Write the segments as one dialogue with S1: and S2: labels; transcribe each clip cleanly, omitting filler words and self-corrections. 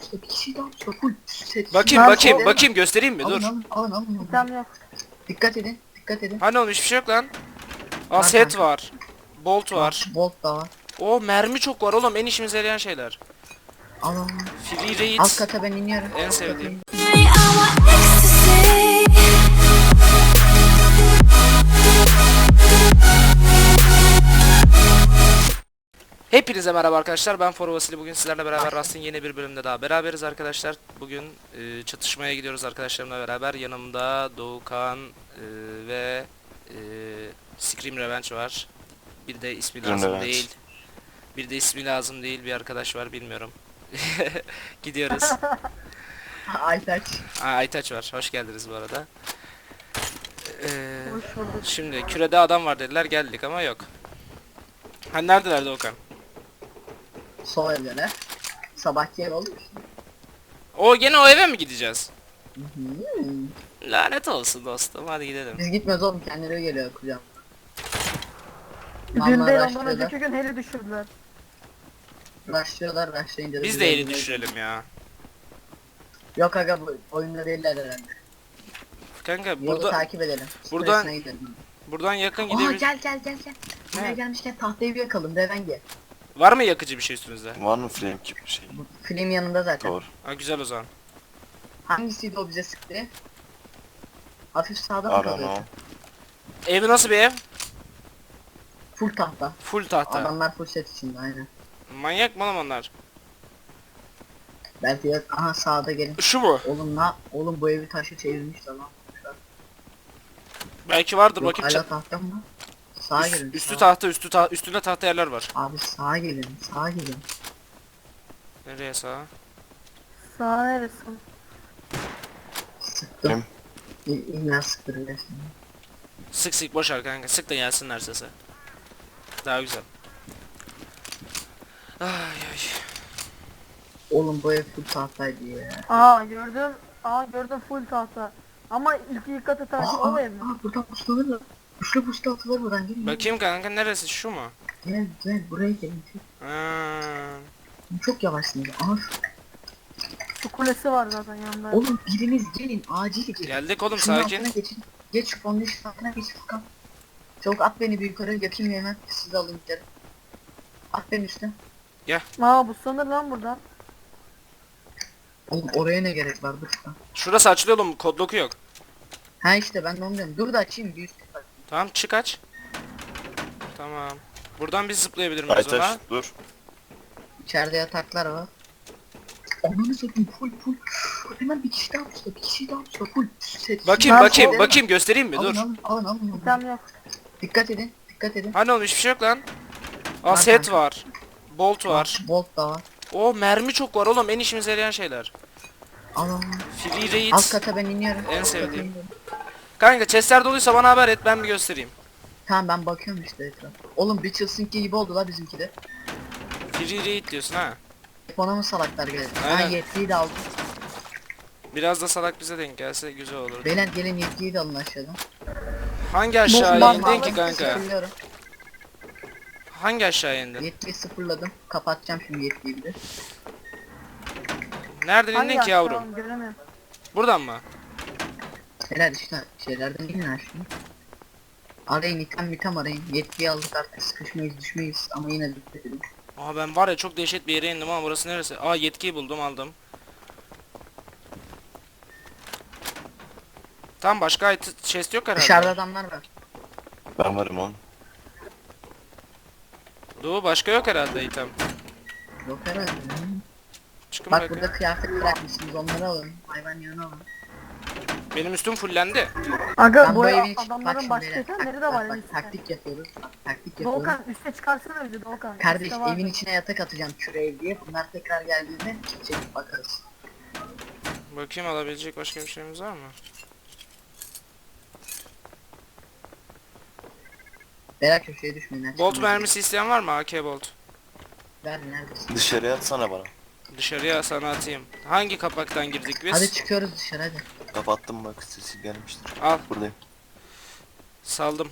S1: usta. Bir kişi daha usta. Full set.
S2: Bakayım göstereyim mi? Dur.
S1: Alın.
S3: Tamam yok.
S1: Dikkat edin.
S2: Hani oğlum hiçbir şey yok lan. Aa
S1: Var
S2: set
S1: kanka.
S2: var. Bolt var.
S1: Bolt da var.
S2: O mermi çok var oğlum, en işimize yarayan şeyler.
S1: Alın.
S2: Free raid.
S1: Alt kata ben iniyorum.
S2: En
S1: Alt kata
S2: sevdiğim.
S1: iniyorum.
S2: Hepinize merhaba arkadaşlar, ben For Vasili. Bugün sizlerle beraber Rust'ın yeni bir bölümde daha beraberiz arkadaşlar. Bugün çatışmaya gidiyoruz arkadaşlarımla beraber. Yanımda Doğukan ve Scream Revenge var. Bir de ismi lazım değil. Bir arkadaş var, bilmiyorum. Gidiyoruz.
S1: Aytaç.
S2: Aytaç var. Hoş geldiniz bu arada.
S3: Hoş bulduk.
S2: Şimdi kürede adam var dediler, geldik ama yok. Hani neredeler Doğukan?
S1: Sol evlere. Sabahki ev oldu mu?
S2: O gene o eve mi gideceğiz?
S1: Hmm.
S2: Lanet olsun dostum, hadi gidelim.
S1: Biz gitmez oğlum, kendileri geliyor kucağım.
S3: Dün
S1: Vallahi
S3: değil ondan
S1: rushlıyorlar.
S3: önceki gün heli düşürdüler.
S1: Rushlayınca da
S2: Biz
S1: bize
S2: de eli
S1: geliyor.
S2: düşürelim ya.
S1: Yok aga, bu oyunda değiller herhalde.
S2: Kanka
S1: Yolu takip edelim.
S2: buradan-
S1: Kulesine gidelim.
S2: buradan yakın
S1: Aa,
S2: gidebiliriz.
S1: gel. Buraya
S2: Ne?
S1: gelmişken tahtayı bir yakalım. Revenge.
S2: Var mı yakıcı bir şey üstünüzde?
S4: Var mı flame gibi bir şey?
S1: Bu film yanında zaten.
S4: Doğru.
S2: Ha, güzel o zaman.
S1: Hangisiydi o bize sıktı? Hafif sağda mı
S4: Arano.
S1: kalıyor?
S2: Evi nasıl bir ev?
S1: Full tahta.
S2: Full tahta.
S1: Adamlar full set içinde aynen.
S2: Manyak mı oğlum onlar?
S1: Belki de aha sağda gelin.
S2: Şu mu?
S1: Oğlum bu evi taşı çevirmişler lan.
S2: Belki vardır,
S1: Yok
S2: bakayım.
S1: hala tahta mı? Sağa gelin.
S2: Üstü
S1: sağa.
S2: tahta, üstünde tahta yerler var.
S1: Abi sağa gelin.
S2: Nereye sağa?
S3: Sağ neresi?
S1: Sıktım. İlla sıktırıyor.
S2: Sık boş ver kanka, sık da gelsinler sese. Daha güzel. Ay.
S1: Oğlum bu ev full tahtaydı ya.
S3: Gördüm full tahta. Ama ilk katı taş o ev mi?
S1: Buradan puslanırlar. Üçlü atılır buradan, gelin.
S2: Bakayım kanka, neresi, şu mu?
S1: Gel buraya gelin.
S2: Ha.
S1: Çok yavaşsınız. Aha.
S3: Şu kulesi var zaten yanında.
S1: Oğlum biriniz gelin, acil gelin.
S2: Geldik oğlum,
S1: Şunun
S2: sakin.
S1: altına geçin. Geç şu foundation altına geç Furkan. Çabuk at beni bir yukarı, yakayım hemen. Siz de alın gidelim. At beni üstte.
S3: Bu sanır lan buradan.
S1: Oğlum oraya ne gerek var, dur Furkan.
S2: Şurası açılıyor oğlum, kod loku yok.
S1: Ha işte ben de onu diyorum. Dur da açayım bir üst.
S2: Tamam, çık aç. Tamam. Buradan biz zıplayabilir miyiz ona?
S4: Aytaş dur.
S1: İçeride yataklar var. Ananı satayım, full. Hemen bir kişi daha usta, full set.
S2: Bakayım göstereyim mi? Dur.
S1: Alın.
S3: Tamam yok.
S1: Dikkat edin.
S2: Hani oğlum hiçbir şey yok lan. Aa
S1: Var
S2: set
S1: kanka.
S2: var. Bolt var.
S1: Bolt da var.
S2: O mermi çok var oğlum, en işimize yarayan şeyler.
S1: Alın.
S2: Free raid.
S1: Alt kata ben iniyorum.
S2: En
S1: Alt kata
S2: sevdiğim.
S1: iniyorum.
S2: Kanka chestler doluysa bana haber et, ben bir göstereyim.
S1: Tamam ben bakıyorum işte etrafa. Oğlum Witchels'ınki gibi oldu la bizimki de.
S2: Free raid diyorsun ha.
S1: Ona mı salaklar geldi? Ha
S2: Aynen.
S1: yetkiyi de aldım.
S2: Biraz da salak bize denk gelse güzel olur.
S1: Beyler gelin, yetkiyi de alın aşağıdan.
S2: Hangi aşağıya
S3: Bomba-
S2: indin ki kanka?
S1: Sıfırlıyorum.
S2: Hangi aşağıya indin?
S1: Yetkiyi sıfırladım. Kapatacağım şimdi yetkiyi bir de.
S2: Nereden indin ki
S3: aşağı
S2: yavrum?
S3: oğlum, göremiyorum.
S2: Buradan mı?
S1: Beyler işte şeylerden inin aşağı. Arayın, item arayın. Yetkiyi aldık artık, sıkışmayız düşmeyiz ama yine dikkat edin.
S2: Aa ben var ya, çok dehşet bir yere indim ama burası neresi? Aa yetkiyi buldum, aldım. Tam başka chest yok herhalde.
S1: Dışarıda adamlar var.
S4: Ben varım oğlum.
S2: Doğu başka yok herhalde item.
S1: Yok herhalde.
S2: Çıkın
S1: Bak
S2: bakayım.
S1: burada kıyafet bırakmışsınız, onları alın. Hayvan yanına alın.
S2: Benim üstüm fullendi.
S3: Aga
S1: Ben
S3: bu
S1: bu
S3: ev
S1: evin için bak
S3: adamların
S1: şimdi
S3: başka
S1: beyler.
S3: itemleri de var en
S1: Bak
S3: üstte.
S1: taktik yapıyoruz. Bak taktik yapıyoruz.
S3: Doğukan üste çıkarsana bizi Doğukan.
S1: Kardeş
S3: Üstte var.
S1: evin içine yatak atacağım küreği diye. Bunlar tekrar geldiğinde çekip bakarız.
S2: Bakayım, alabilecek başka bir şeyimiz var mı?
S1: Beyler köşeye düşmeyin. her
S2: Bolt
S1: şeyden.
S2: mermisi isteyen var mı? AK bolt.
S1: Ver neredesin?
S4: Dışarıya atsana bana.
S2: Dışarıya sana atayım. Hangi kapaktan girdik biz?
S1: Hadi çıkıyoruz dışarı hadi.
S4: Kapattım bak, sesi gelmiştir.
S2: Al,
S4: Buradayım.
S2: saldım.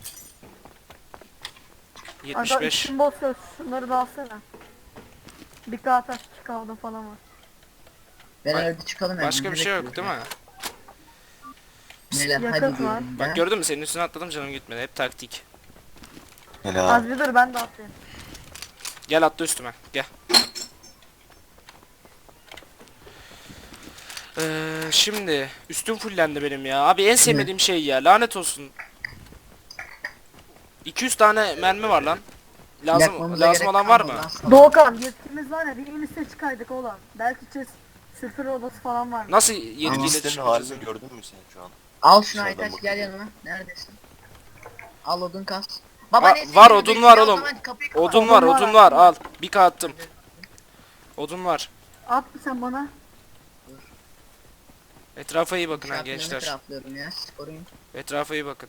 S3: Aga
S2: 75.
S3: için boş ver, şunları da alsana. Bir kağıt taş kaldı falan var.
S1: Ben
S2: Ba-
S1: hadi çıkalım hemen.
S2: Başka bir
S1: ne
S2: şey yok
S1: bekliyoruz
S2: değil mi?
S1: ya? Neler
S3: Yakıt
S1: hadi
S3: var.
S1: diyelim ya.
S2: Bak gördün mü, senin üstüne atladım, canım gitmedi. Hep taktik.
S4: Helal.
S3: Az bir dur ben de atlayayım.
S2: Gel atla üstüme. Gel. Şimdi üstüm fullendi benim ya. Abi en sevmediğim şey ya. Lanet olsun. 200 tane mermi var lan.
S1: Yakmamıza
S2: Lazım
S1: gerek
S2: olan var
S1: kalmadı
S2: mı?
S1: lan sana.
S3: Doğukan yetkimiz var ya bir en üste çıkaydık oğlum. Belki sıfır odası falan var.
S2: Nasıl
S1: Tamam.
S2: yetkiyle
S4: Listenin
S2: çıkacağız?
S4: halini gördün mü sen şu an?
S1: Al şunu
S4: Dışarıdan
S1: Aytaç gel
S4: bakıyorum.
S1: yanıma. Neredesin? Al odun kas.
S2: Aa,
S1: neyse,
S2: var,
S1: yürü,
S2: odun
S1: bekle,
S2: var
S1: o
S2: oğlum.
S1: zaman kapıyı kapat.
S2: Odun var,
S3: Odun var,
S2: odun var.
S3: odun
S2: Al.
S3: var.
S2: Bir k attım. Odun var.
S3: At mı sen bana?
S2: Etrafa iyi bakın ha
S1: İnşaatlarını
S2: gençler.
S1: craftlıyorum ya, siz koruyun.
S2: Etrafa iyi bakın.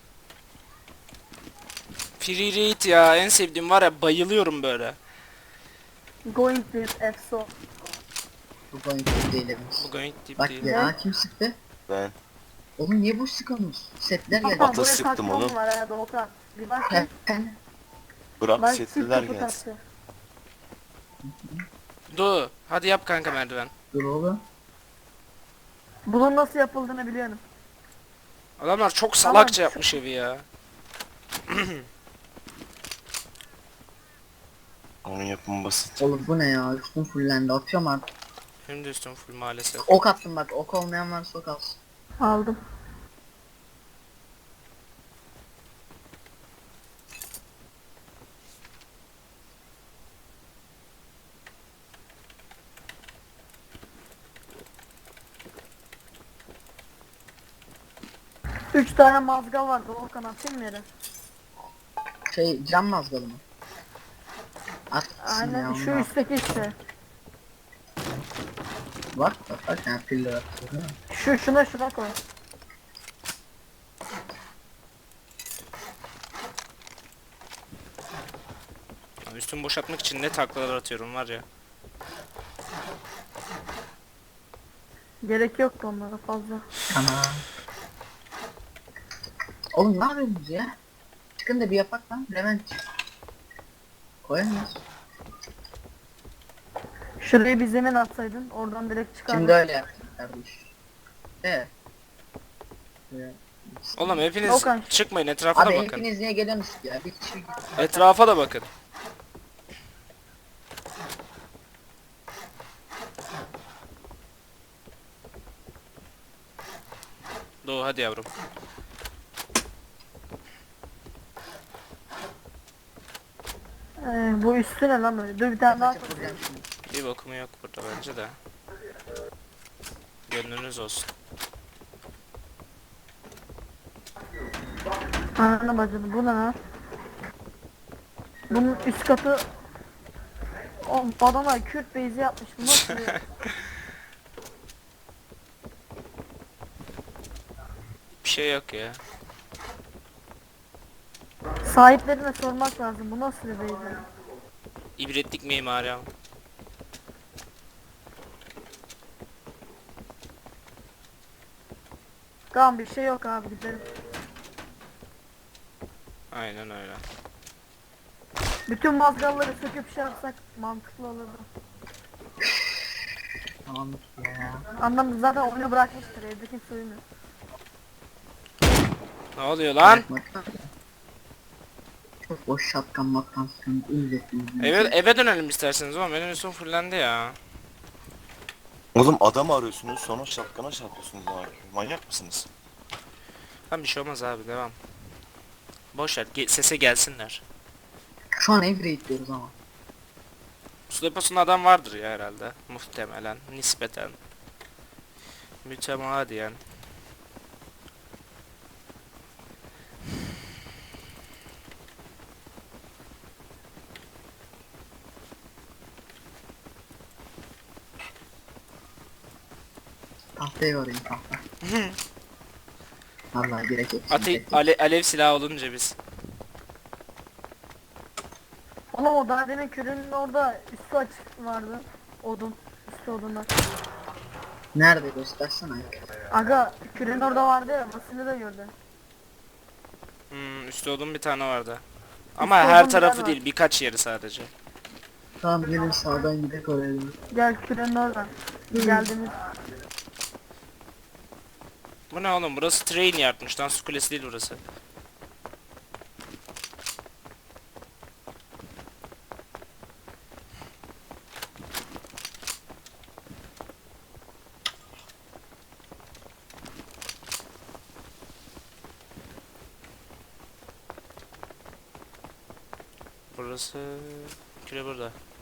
S2: Free raid ya, en sevdiğim var ya, bayılıyorum böyle.
S3: Going with EFSO.
S1: Bu boyunca değilimiz.
S2: Bu going deep
S1: Bak
S2: değil.
S1: ya kim sıktı?
S4: Ben
S1: Oğlum niye boş sıkıyorsunuz? Setler geldi.
S3: Hakan
S4: Ata
S3: buraya
S4: sıktım
S3: saklama
S4: oğlum.
S3: var ha Doğukan. Bir bak.
S1: Pen.
S4: bırak
S3: Bak
S4: setliler
S3: kapı
S4: gelsin.
S3: taktı.
S2: Du, hadi yap kanka merdiven.
S1: Dur oğlum.
S3: Bunun nasıl yapıldığını biliyorum.
S2: Adamlar çok
S3: Tamam.
S2: salakça yapmış evi ya.
S4: Onun yapımı basit.
S1: Oğlum bu ne ya? Üstüm fullendi. Atıyorum artık.
S2: Benim de üstüm full maalesef.
S1: Ok attım bak. Ok olmayan varsa ok alsın.
S3: Aldım. Üç tane mazgal var Doğukan atayım mı yere?
S1: Şey cam mazgalı mı? At gitsin ya
S3: Aynen
S1: onu
S3: şu
S1: al.
S3: üstteki işte.
S1: Bak yani piller atıyor değil mi?
S3: Şuna koy.
S2: Üstümü boşaltmak için ne taklalar atıyorum var ya.
S3: Gerek yoktu onlara fazla.
S1: Tamam. Oğlum ne yapıyorsunuz ya? Çıkın da bir yapak lan. Levent. Koyamıyoruz.
S3: Şuraya bir zemin atsaydın oradan direkt çıkardın.
S1: Şimdi öyle yaptık kardeş. Evet. Evet.
S2: Oğlum hepiniz
S3: Okan.
S2: çıkmayın, etrafa da
S1: Abi
S2: bakın.
S1: hepiniz niye geliyorsunuz ya? Bir kişi gitti.
S2: Etrafa da bakın. Doğu hadi yavrum.
S3: Bu üstü ne lan böyle? Dur bir tane daha koy.
S1: Vuracağım şimdi.
S2: Bir bakımı yok burada bence de. Gönlünüz olsun.
S3: Ananı bacını bu ne lan? Bunun üst katı... Oğlum adamlar Kürt base'i yapmış bu nasıl ya?
S2: Bir şey yok ya.
S3: Sahiplerine sormak lazım bu nasıl bir base?
S2: İbretlik mimari ama.
S3: Tamam bir şey yok abi gidelim.
S2: Aynen öyle.
S3: Bütün mazgalları söküp şey yapsak mantıklı olurdu.
S1: Tamam ya.
S3: Annem zaten oyunu bırakmıştır evde kimse uyumuyor.
S2: Ne oluyor lan?
S1: Bırakmak. Çok boş şapkan matkan sıkıntı izlettiniz.
S2: Eve dönelim isterseniz oğlum, benim üstüm fullendi ya.
S4: Oğlum adam arıyorsunuz sonra şapkana çarpıyorsunuz abi. Manyak mısınız?
S2: Lan bir şey olmaz abi, devam. Boş ver, sese gelsinler.
S1: Şu an ev raid diyoruz ama.
S2: Su deposunda adam vardır ya herhalde. Muhtemelen, nispeten. Mütemadiyen.
S1: Tahtaya varayım tahta. Vallahi gerek yok.
S2: Alev silahı olunca biz.
S3: Oğlum o daha demin kürünün orada üstü açık vardı. Odun. Üstü odunlar.
S1: Nerede göstersene.
S3: Aga kürün orada vardı ya basını da gördü.
S2: Üstte odun bir tane vardı. Ama
S3: Üstte
S2: her
S3: odun bir
S2: tarafı
S3: tane
S2: değil,
S3: var.
S2: birkaç yeri sadece.
S1: Tamam gelin sağdan gidelim oraya doğru.
S3: Gel kürünün oradan. Geldiğimiz
S2: Bu ne oğlum? Burası train yardmış. Lan su kulesi değil burası. Burası... Küre burada.